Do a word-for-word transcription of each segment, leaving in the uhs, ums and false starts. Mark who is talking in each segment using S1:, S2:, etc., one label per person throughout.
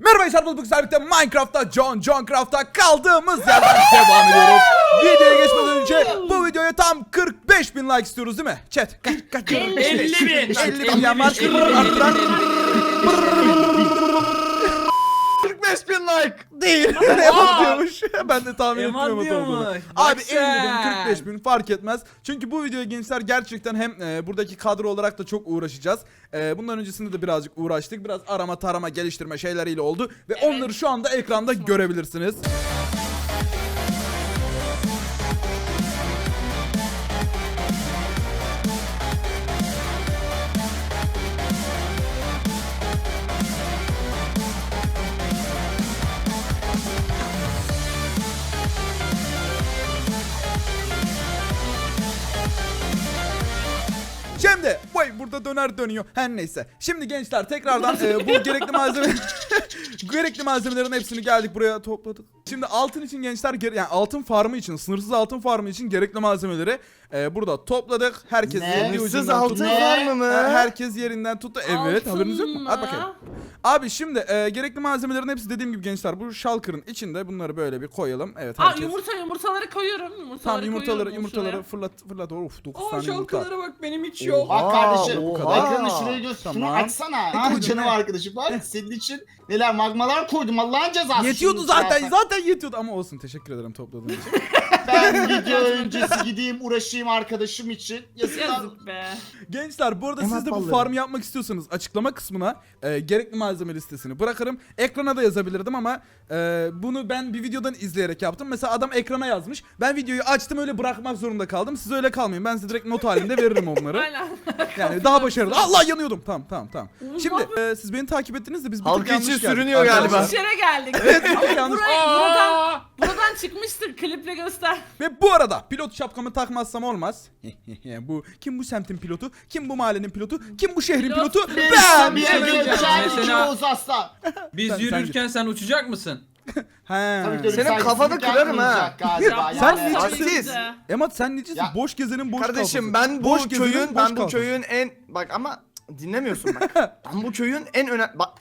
S1: Merhaba arkadaşlar, bugün birlikte Minecraft'ta John Johncraft'ta kaldığımız yerden devam ediyoruz. Videoya geçmeden önce bu videoya tam kırk beş bin like istiyoruz değil mi? Chat kaç kaç
S2: elli bin.
S1: elli bin ya var.
S3: kırk beş bin like.
S1: Değil. Emat diyormuş. Ben de tahmin
S2: Emat
S1: ettim Emat olduğunu.
S2: diyormuş.
S1: Abi
S2: Bak
S1: elli bin
S2: sen.
S1: kırk beş bin fark etmez. Çünkü bu videoya gençler gerçekten hem e, buradaki kadro olarak da çok uğraşacağız. E, bundan öncesinde de birazcık uğraştık. Biraz arama tarama geliştirme şeyleriyle oldu. Ve
S4: Evet.
S1: onları şu anda ekranda görebilirsiniz. Şimdi vay burada döner dönüyor. Her neyse. Şimdi gençler tekrardan e, bu gerekli malzeme gerekli malzemelerin hepsini geldik buraya topladık. Şimdi altın için gençler gere- yani altın farmı için, sınırsız altın farmı için gerekli malzemeleri e, burada topladık. Herkes
S3: Ne?
S1: yerini
S3: Sınırsız
S1: ucundan
S3: altın
S1: tuttu.
S3: var mı?
S1: E, Herkes yerinden tuttu. Evet,
S4: Altın
S1: haberiniz yok mu? Hadi
S4: mı?
S1: bakayım. Abi şimdi e, gerekli malzemelerin hepsi dediğim gibi gençler bu shulker'ın içinde, bunları böyle bir koyalım. Evet,
S4: Aa,
S1: herkes.
S4: yumurta yumurtaları koyuyorum. Yumurtaları
S1: Tamam, yumurtaları
S4: koyuyorum
S1: yumurtaları
S4: şuraya.
S1: fırlat fırlat. Of dokuz
S2: Aa
S1: tane yumurta.
S2: şalkalara bak benim hiç yok.
S3: Bak
S1: Oha,
S3: kardeşim,
S1: o kadar.
S3: ekranı şuraya göster. Şunu
S1: Tamam.
S3: açsana.
S1: Ne
S3: Ha
S1: koydun
S3: canım
S1: ne?
S3: arkadaşım bak senin için neler magmalar koydum Allah'ın cezası.
S1: Yetiyordu
S3: Şimdi
S1: zaten
S3: zaten.
S1: zaten yetiyordu ama olsun, teşekkür ederim topladığın için.
S3: Ben video öncesi gideyim uğraşayım arkadaşım için. Yazıklar.
S4: Yazık be.
S1: Gençler bu arada
S3: Emat
S1: siz de bu
S3: balları.
S1: farmı yapmak istiyorsanız açıklama kısmına e, gerekli malzeme listesini bırakırım. Ekrana da yazabilirdim ama e, bunu ben bir videodan izleyerek yaptım. Mesela adam ekrana yazmış. Ben videoyu açtım, öyle bırakmak zorunda kaldım. Siz öyle kalmayın. Ben size direkt not halinde veririm onları.
S4: Aynen.
S1: Yani daha başarılı. Allah, yanıyordum. Tamam tamam tamam. Şimdi e, siz beni takip ettiniz de biz bir tık
S3: Halkı
S1: yanlış
S3: için
S1: geldik
S3: sürünüyor galiba.
S1: arkadaşlar.
S4: Yanlış yere geldik.
S1: Evet, bir tık yanlış.
S4: Burayı, buradan, buradan çıkmıştık. Kliple göster.
S1: Ve bu arada pilot şapkamı takmazsam olmaz. Bu kim, bu semtin pilotu? Kim bu mahallenin pilotu? Kim bu şehrin
S4: Pilot.
S1: pilotu?
S3: Ben
S1: Ben.
S3: bir
S2: söyleyeceğim.
S3: gökçen iki
S2: Mesela-
S3: Oğuz Aslan.
S2: Biz
S1: Sen-
S2: yürürken sen uçacak mısın?
S1: He.
S3: Tabii ki öyle
S5: Senin
S3: saygısızlık
S5: kafanı kırarım ha.
S3: yapmayacak Galiba.
S1: Sen
S3: yani.
S1: ne
S5: Aziz.
S1: Emat sen necisin?
S3: Ya-
S1: Boş gezenin boş
S5: Kardeşim
S1: kafası.
S5: ben bu
S1: Boş gezenin
S5: köyün
S1: boş
S5: ben bu
S1: kafası.
S5: köyün en bak ama dinlemiyorsun bak. Ben bu köyün en önemli bak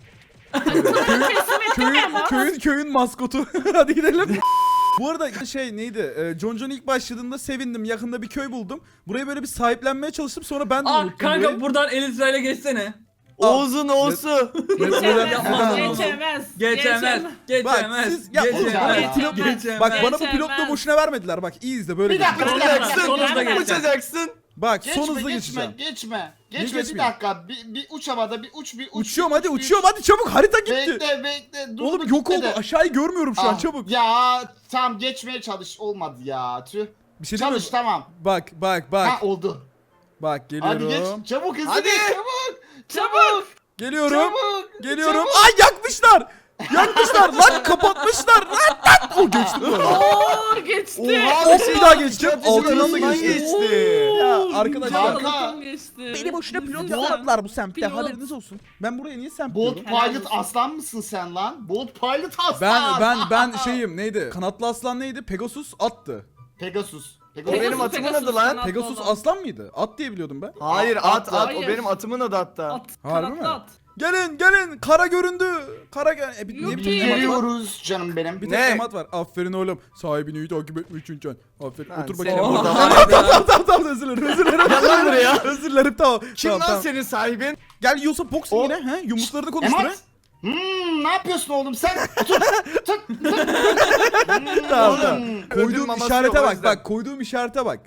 S1: köyün, köyün köyün maskotu. Hadi gidelim. Bu arada şey neydi? Ee, John John ilk başladığında sevindim. Yakında bir köy buldum. Burayı böyle bir sahiplenmeye çalıştım. Sonra ben de
S2: Aa
S1: unuttum
S2: kanka
S1: burayı.
S2: buradan Elitra'yla geçsene.
S5: Oğuz'un Oğuz'u.
S1: Neden-
S2: yapmam
S4: Geçemez.
S2: lazım.
S4: Geçemez.
S2: Geçemez.
S1: Bak
S2: Geçemez.
S1: siz ya,
S2: Geçemez.
S3: Bak,
S1: pilot-
S2: Geçemez.
S1: bak bana bu
S4: Geçemez.
S1: pilotluğu boşuna vermediler. Bak iyi izle böyle.
S3: Bir dakika,
S1: geçeceğim.
S3: bir dakika.
S5: Uçacaksın.
S2: Son hızla
S4: Geçemez.
S2: geçeceksin.
S5: Uçacaksın.
S1: Bak
S3: Geçme,
S1: son hızlı
S3: geçme,
S1: geçeceğim.
S3: geçme.
S1: Niye
S3: Geçme bir
S1: geçmeyeyim?
S3: dakika. Bir, bir uç havada, bir uç, bir uç.
S1: Uçuyorum
S3: bir
S1: hadi
S3: uç, bir
S1: uçuyorum hadi çabuk, harita gitti.
S3: Bekle, bekle. Dur,
S1: Oğlum
S3: dur,
S1: yok oldu,
S3: gitmedi.
S1: aşağıyı görmüyorum şu an,
S3: Ah,
S1: çabuk.
S3: Ya tam geçmeye çalış, olmadı ya. Tüh.
S1: Bir şey diyeyim mi?
S3: Çalış tamam.
S1: Bak bak bak.
S3: Ha oldu.
S1: Bak
S3: Hadi
S1: geliyorum.
S3: geç. Çabuk hızlı
S5: Hadi.
S3: geç, çabuk.
S4: Çabuk.
S1: Geliyorum.
S3: Çabuk.
S1: Geliyorum.
S3: Çabuk.
S1: Ay yakmışlar. Yakmışlar lan, kapatmışlar. Lan lan. O geçti bu arada.
S4: Oo geçti.
S5: Oha,
S1: Hop, bir daha geçeceğim. Altından da
S5: Altından
S1: geçti.
S5: geçti.
S1: Ya arkadaşlar.
S3: Kanka.
S4: Balıkım geçti.
S1: Beni boşuna pilot
S4: Güzel.
S1: yapmadılar bu semtte.
S4: Pilot.
S1: Haberiniz olsun. Ben buraya niye semt
S3: Bolt
S1: diyorum?
S4: Helal
S3: Pilot
S4: olsun.
S3: aslan mısın sen lan? Bolt Pilot aslan.
S1: Ben ben ben şeyim neydi? Kanatlı aslan neydi? Pegasus attı.
S3: Pegasus.
S5: O
S3: Pegasus.
S5: benim atımın
S4: Pegasus,
S5: adı lan.
S4: kanatlı
S1: Pegasus
S4: olan.
S1: aslan mıydı? At diye biliyordum ben.
S5: Hayır
S3: At,
S5: at
S3: at,
S5: at,
S4: hayır.
S5: o benim atımın adı hatta.
S4: At.
S1: Harbi
S4: Kanatlı
S1: mi?
S4: at.
S1: Gelin gelin, kara göründü. Kara gel. E, bir, niye bir
S4: Yuppie.
S1: tek emat var?
S3: Geliyoruz canım benim.
S1: Bir tek
S5: Ne?
S1: emat var. Aferin oğlum. Sahibini iyi takip etme için can. Aferin.
S5: Lan
S1: Otur
S5: senin
S1: bakayım.
S5: burada
S1: Tamam
S5: var ya.
S1: tamam tamam tamam, özür dilerim özür dilerim.
S5: Gel lan buraya.
S1: Özür dilerim, tamam.
S5: Kim
S1: tamam,
S5: lan
S1: tamam.
S5: senin sahibin?
S1: Gel yiyorsa boxing
S3: O-
S1: yine. He? Yumruklarını konuştur. he?
S3: Emat. Hmm, ne yapıyorsun oğlum sen? Tut, tut, tut.
S1: Tamam tamam.
S5: Ödül
S1: Koyduğum
S5: maması
S1: işarete
S5: yok, o
S1: bak
S5: yüzden.
S1: bak, koyduğum işarete bak.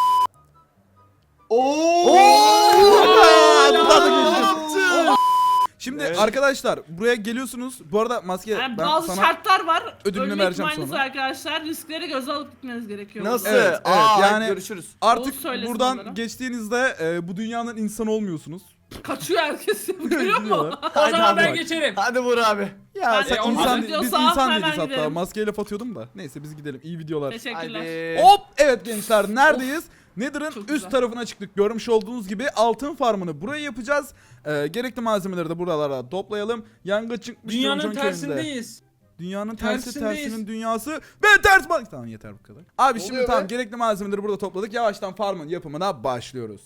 S3: Oo.
S1: Aa, burada da
S5: Ne
S1: geçtim.
S5: yaptın?
S1: Şimdi
S5: Evet.
S1: arkadaşlar buraya geliyorsunuz. Bu arada maske
S4: Yani
S1: ben
S4: bazı
S1: sana
S4: şartlar var.
S1: ödülünü
S4: Ölme
S1: vereceğim
S4: ihtimaliniz
S1: sonra.
S4: var arkadaşlar. Riskleri göze alıp gitmeniz gerekiyor.
S5: Nasıl?
S1: Evet, evet,
S5: Aa,
S1: yani-
S5: görüşürüz.
S1: artık
S4: Oğuz söylesin
S1: buradan
S4: onlara.
S1: geçtiğinizde e, bu dünyanın insanı olmuyorsunuz.
S4: Kaçıyor herkes. Görüyor musun?
S1: Gidiyorlar.
S2: O zaman ben
S1: bak.
S2: geçerim.
S5: Hadi vur abi.
S1: Ya
S4: Ben
S1: sen
S4: de
S1: insan,
S4: onu
S1: biz
S4: diyorsa
S1: insan
S4: hemen
S1: değiliz hatta.
S4: gidelim.
S1: Maskeyle atıyordum da. Neyse biz gidelim. İyi videolar.
S4: Teşekkürler.
S5: Hadi.
S1: Hop, evet gençler, neredeyiz? Nether'ın
S4: Çok
S1: üst
S4: güzel.
S1: tarafına çıktık. Görmüş olduğunuz gibi altın farmını buraya yapacağız. Ee, gerekli malzemeleri de buralara toplayalım. Yangın çıkmış.
S2: Dünyanın
S1: John John köyünde.
S2: tersindeyiz.
S1: Dünyanın tersi
S2: Tersindeyiz.
S1: tersinin dünyası. Ben ters bak. Tamam yeter bu kadar. Abi şimdi
S5: oluyor
S1: tamam,
S5: be?
S1: gerekli malzemeleri burada topladık. Yavaştan farmın yapımına başlıyoruz.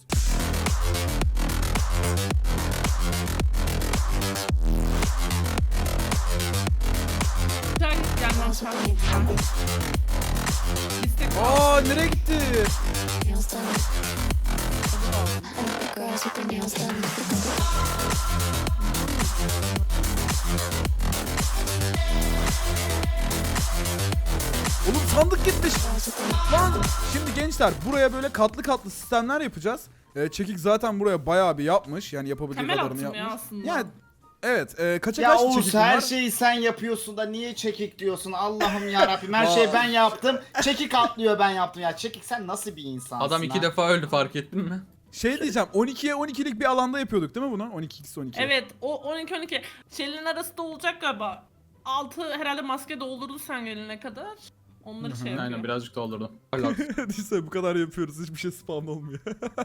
S4: İstek
S1: Aa nereye gitti?
S6: Nails done. And the girls with their nails done.
S1: Oğlum sandık gitmiş. Lan şimdi gençler buraya böyle katlı katlı sistemler yapacağız. Ee, Çekik zaten buraya bayağı bir yapmış. Yani yapabildiği
S4: Temel
S1: kadarını
S4: attım ya
S1: yapmış.
S4: aslında.
S1: Yani evet e, kaça
S3: Ya
S1: kaç
S3: Oğuz
S1: Çekik
S3: her
S1: bunlar?
S3: şeyi sen yapıyorsun da niye çekik diyorsun? Allah'ım yarabbim her
S1: Vay.
S3: şeyi ben yaptım. Çekik atlıyor ben yaptım ya. Çekik sen nasıl bir insansın?
S2: Adam iki
S3: ha?
S2: defa öldü fark ettin mi?
S1: Şey diyeceğim on ikiye on ikilik bir alanda yapıyorduk değil mi bunu? on iki x on iki.
S4: Evet o on iki on iki. Şeylerin arası da olacak galiba. Altı herhalde maske doldurdun sen gelene kadar. Onları şey yapıyor.
S2: Aynen birazcık doldurdum.
S1: Neyse bu kadar yapıyoruz hiçbir şey spam olmuyor.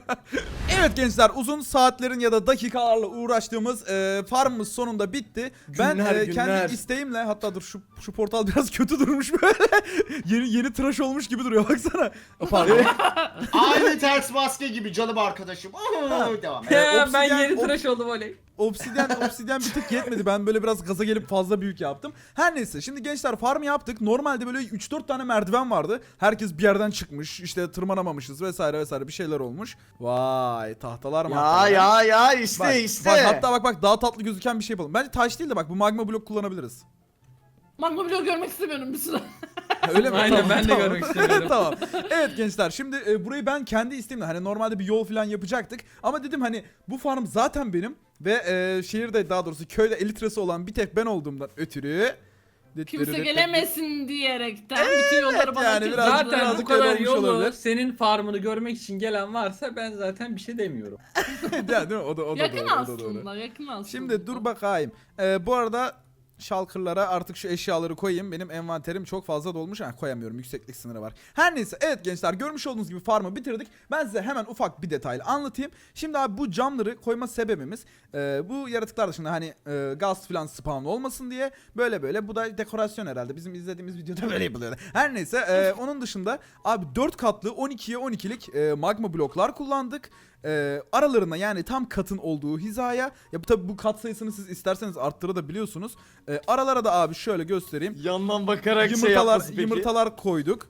S1: Evet gençler uzun saatlerin ya da dakikalarla uğraştığımız e, farmımız sonunda bitti. ben
S5: Günler,
S1: e,
S5: günler.
S1: kendi isteğimle hatta dur şu şu portal biraz kötü durmuş böyle. yeni yeni tıraş olmuş gibi duruyor baksana. Pardon.
S3: Aynı ters maske gibi canım arkadaşım. Oo, devam et.
S2: Ya ben
S1: obsidyen-
S2: yeni
S1: ob-
S2: tıraş oldum oley.
S1: Obsidyen obsidyen bir tık yetmedi. Ben böyle biraz gaza gelip fazla büyük yaptım. Her neyse şimdi gençler farm yaptık. Normalde böyle üç dört tane merdiven vardı. Herkes bir yerden çıkmış. İşte tırmanamamışız vesaire vesaire bir şeyler olmuş. Vay tahtalar mı?
S5: Ya ya ya işte
S1: Bak,
S5: işte.
S1: bak hatta bak bak daha tatlı gözüken bir şey yapalım. Bence taş değil de bak bu magma blok kullanabiliriz.
S4: Magma bloğu görmek istemiyorum bir süre.
S1: Ha, öyle mi?
S2: Aynen,
S1: Tamam,
S2: ben de
S1: tamam.
S2: görmek istemiyorum.
S1: Tamam. Evet gençler şimdi e, burayı ben kendi isteğimle hani normalde bir yol falan yapacaktık. Ama dedim hani bu farm zaten benim. Ve e, şehirde daha doğrusu köyde elitresi olan bir tek ben olduğumdan ötürü.
S4: Kimse gelemesin diyerekten bütün yolları bana
S1: yani
S4: açıldı.
S1: biraz-
S2: Zaten bu
S1: birazcık öyle
S2: kadar
S1: olmuş
S2: yolu
S1: olabilir.
S2: senin farmını görmek için gelen varsa ben zaten bir şey demiyorum.
S1: Ya, değil mi? O da, o da
S4: Yakın
S1: doğru, o da doğru.
S4: aslında, yakın aslında.
S1: Şimdi dur bakayım. Ee, bu arada şalkırlara artık şu eşyaları koyayım. Benim envanterim çok fazla dolmuş. Ha, koyamıyorum. Yükseklik sınırı var. Her neyse. Evet gençler görmüş olduğunuz gibi farmı bitirdik. Ben size hemen ufak bir detaylı anlatayım. Şimdi abi bu camları koyma sebebimiz e, bu yaratıklar dışında hani e, gaz falan spawn olmasın diye böyle böyle. Bu da dekorasyon herhalde. Bizim izlediğimiz videoda böyle yapılıyor. Her neyse. E, onun dışında abi dört katlı on ikiye on ikilik e, magma bloklar kullandık. E, aralarına yani tam katın olduğu hizaya ya bu tabi bu kat sayısını siz isterseniz arttırabiliyorsunuz. E, aralara da abi şöyle göstereyim.
S5: Yandan bakarak şey
S1: Yumurtalar
S5: yapması peki.
S1: yumurtalar koyduk.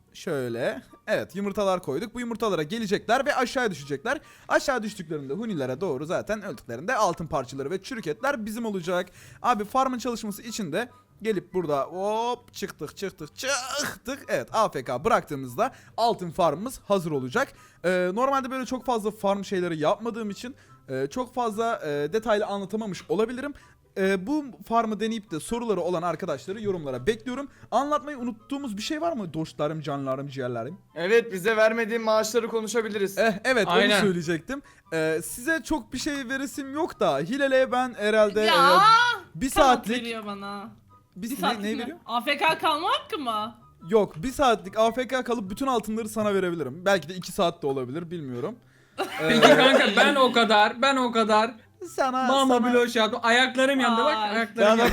S1: Şöyle. Evet yumurtalar koyduk. Bu yumurtalara gelecekler ve aşağı düşecekler. Aşağı düştüklerinde hunilere doğru zaten öldüklerinde altın parçaları ve çürük etler bizim olacak. Abi farmın çalışması için de gelip burada hop çıktık çıktık çıktık. Evet A F K bıraktığımızda altın farmımız hazır olacak. Ee, normalde böyle çok fazla farm şeyleri yapmadığım için e, çok fazla e, detaylı anlatamamış olabilirim. Ee, bu farmı deneyip de soruları olan arkadaşları yorumlara bekliyorum. Anlatmayı unuttuğumuz bir şey var mı? Dostlarım, canlarım, ciğerlerim.
S5: Evet bize vermediğin maaşları konuşabiliriz.
S1: Eh, evet
S2: Aynen.
S1: onu söyleyecektim. Ee, size çok bir şey veresim yok da Hilal'e ben herhalde
S4: Ya,
S1: e, bir
S4: Kanat
S1: saatlik
S4: veriyor bana.
S1: bir,
S4: Bir
S1: ne,
S4: saatlik
S1: ne
S4: mi?
S1: veriyor?
S4: A F K kalma hakkı mı?
S1: Yok bir saatlik A F K kalıp bütün altınları sana verebilirim. Belki de iki saat de olabilir bilmiyorum.
S2: Peki kanka ben o kadar ben o kadar
S1: Sana
S2: mama
S1: sana-
S2: bloş yaptım. Ayaklarım yandı bak
S4: Ay.
S2: ayaklarım
S5: Ben o
S2: yandı.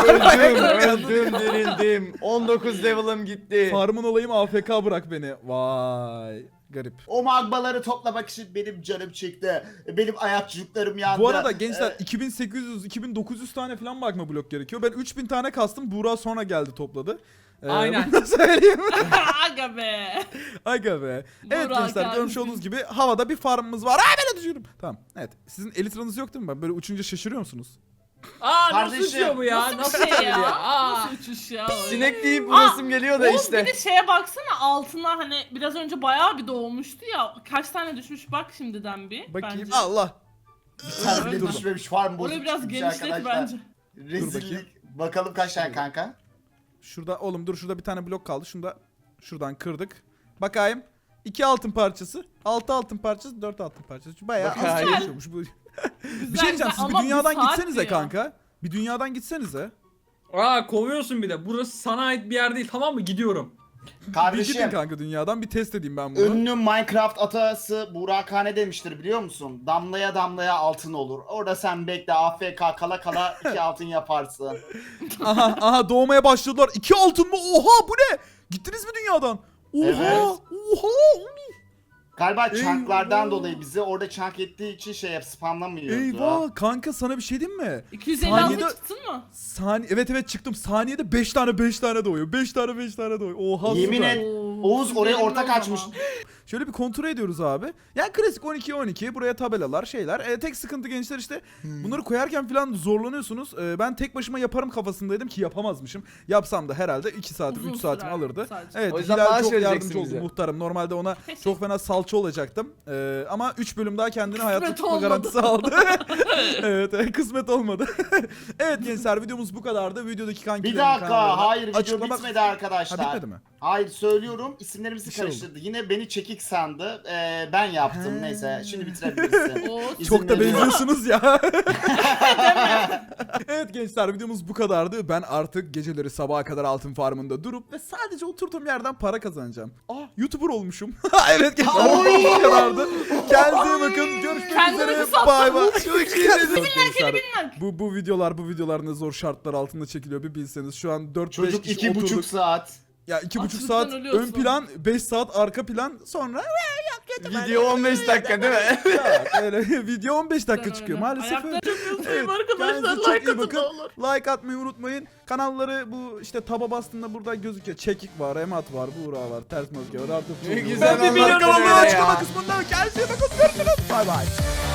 S5: kadar öldüm, öldüm, dirildim. on dokuz level'ım gitti.
S1: Farmın olayım A F K bırak beni. Vay garip.
S3: O magmaları toplamak için benim canım çıktı. Benim ayakçıklarım yandı.
S1: Bu arada gençler
S3: Ee,
S1: iki bin sekiz yüz iki bin dokuz yüz tane falan magma blok gerekiyor. Ben üç bin tane kastım. Buğra sonra geldi topladı. Ee,
S2: Aynen.
S1: Bunu da söyleyeyim.
S4: Aga be.
S1: Aga be. Evet
S4: Buğra
S1: gençler
S4: geldi.
S1: görmüş olduğunuz gibi havada bir farmımız var. Ay ben de düşüyorum. Tamam. Evet. Sizin elitranız yok değil mi? Ben böyle uçunca şaşırıyor musunuz?
S2: Aa nasıl
S3: Kardeşim,
S2: uçuyor bu ya?
S4: Nasıl
S2: Nasıl
S4: bir şey
S2: uçuyor
S4: ya?
S2: Aa.
S4: Nasıl uçuş ya?
S5: Sinek deyip
S4: Aa,
S5: vurasım geliyor da
S4: Oğuz
S5: işte.
S4: bir de şeye baksana altına hani biraz önce bayağı bir doğmuştu ya. Kaç tane düşmüş bak şimdiden bir.
S1: Bakayım.
S4: Bence.
S1: Allah.
S3: bir tane bile
S1: Dur.
S3: düşmemiş farm bozuk
S4: Orayı biraz
S3: çıkmış
S4: genişlet
S3: arkadaşlar.
S4: bence.
S3: Rezillik. Bakalım kaç tane kanka?
S1: Şurada oğlum dur şurada bir tane blok kaldı. Şunu da şuradan kırdık. Bakayım. İki altın parçası. Altı altın parçası. Dört altın parçası. Bayağı az
S5: Bakayım.
S1: çalışıyormuş bu.
S4: Güzel,
S1: Bir şey diyeceğim. Siz bir
S4: ama
S1: dünyadan
S4: saat
S1: gitsenize
S4: diyor.
S1: kanka. Bir dünyadan gitsenize.
S2: Aa kovuyorsun bir de. Burası sana ait bir yer değil tamam mı? Gidiyorum.
S1: Bir gidin
S3: Kardeşim.
S1: kanka dünyadan. Bir test edeyim ben bunu.
S3: Ünlü Minecraft atası Burak Han ne demiştir biliyor musun? Damlaya damlaya altın olur. Orada sen bekle A F K kala kala iki altın yaparsın.
S1: aha aha doğmaya başladılar. İki altın mı? Oha bu ne? Gittiniz mi dünyadan? Oha!
S3: Evet.
S1: Oha!
S3: Galiba chunklardan
S1: Eyvah.
S3: dolayı bizi orada chunk ettiği için şey yap spamlamıyordu.
S1: Eyvah kanka sana bir şey diyeyim mi?
S4: iki yüz elli altı
S1: Saniyede-
S4: çıktın mı?
S1: Sani evet evet çıktım. Saniyede beş tane beş tane doğuyor. beş tane beş tane doğuyor. Oha
S3: Yemin
S1: süper.
S3: et.
S4: Oo,
S3: Oğuz oraya
S4: benim
S3: ortak
S4: de o
S3: açmış.
S4: zaman.
S1: Şöyle bir kontrol ediyoruz abi. Yani klasik on iki on iki buraya tabelalar şeyler. E, tek sıkıntı gençler işte bunları koyarken falan zorlanıyorsunuz. E, ben tek başıma yaparım kafasındaydım ki yapamazmışım. Yapsam da herhalde iki saatim
S4: Uzun
S1: üç saatimi
S4: sürer
S1: alırdı.
S4: sadece.
S1: Evet
S5: O yüzden
S1: Hilal
S5: maaş
S1: çok
S5: vereceksin
S1: yardımcı oldu
S5: bize.
S1: muhtarım. Normalde ona
S4: Teşekkür-
S1: çok fena salça olacaktım. E, ama üç bölüm daha kendine hayatta
S4: Kısmet
S1: tutma
S4: olmadı.
S1: garantisi aldı. evet e, kısmet olmadı. evet gençler videomuz bu kadardı. Videodaki kankilerin
S3: Bir dakika
S1: kanallarına
S3: hayır video
S1: açıklamak-
S3: bitmedi
S1: Ha
S3: arkadaşlar.
S1: bitmedi mi?
S3: Hayır söylüyorum isimlerimizi
S1: Bir şey oldu.
S3: karıştırdı. Yine beni çekik sandı. Ee, ben yaptım
S1: He.
S3: neyse şimdi bitirebilirsin.
S4: Oo,
S3: İzin
S1: Çok da
S3: veriyorum.
S1: benziyorsunuz ya. evet gençler videomuz bu kadardı. Ben artık geceleri sabaha kadar altın farmında durup ve sadece oturduğum yerden para kazanacağım. Aa YouTuber olmuşum. evet gençler videomuz bu kadardı. Kendinize iyi bakın. Görüşmek
S4: Kendimi
S1: üzere.
S4: sattım.
S1: Bay bay.
S4: Gençler.
S1: Bu, bu videolar bu videolar ne zor şartlar altında çekiliyor bir bilseniz. Şu an dört beş
S3: Çocuk
S1: kişi
S3: iki
S1: oturduk.
S3: buçuk saat.
S1: Ya iki buçuk
S4: Açlıktan
S1: saat
S4: ölüyorsun.
S1: ön plan, beş saat arka plan sonra
S5: Video on beş dakika değil mi?
S1: ya, öyle video on beş dakika çıkıyor maalesef.
S4: Ayakta
S1: öyle.
S4: çok mutluyum
S1: Evet,
S4: arkadaşlar.
S1: kendinize çok
S4: Like
S1: iyi
S4: atın
S1: bakın.
S4: ne olur.
S1: Like atmayı unutmayın. Kanalları bu işte taba bastığında burada gözüküyor. Çekik var, Emat var, Buğra var, Ters Maske var, Artık
S5: Ne
S1: var.
S5: güzel
S1: Ben bir
S5: anlattın
S1: milyon
S5: öyle
S1: kanalları
S5: ya.
S1: açıklama kısmında. Kendinize iyi bakın. Görüşürüz. Bay bay.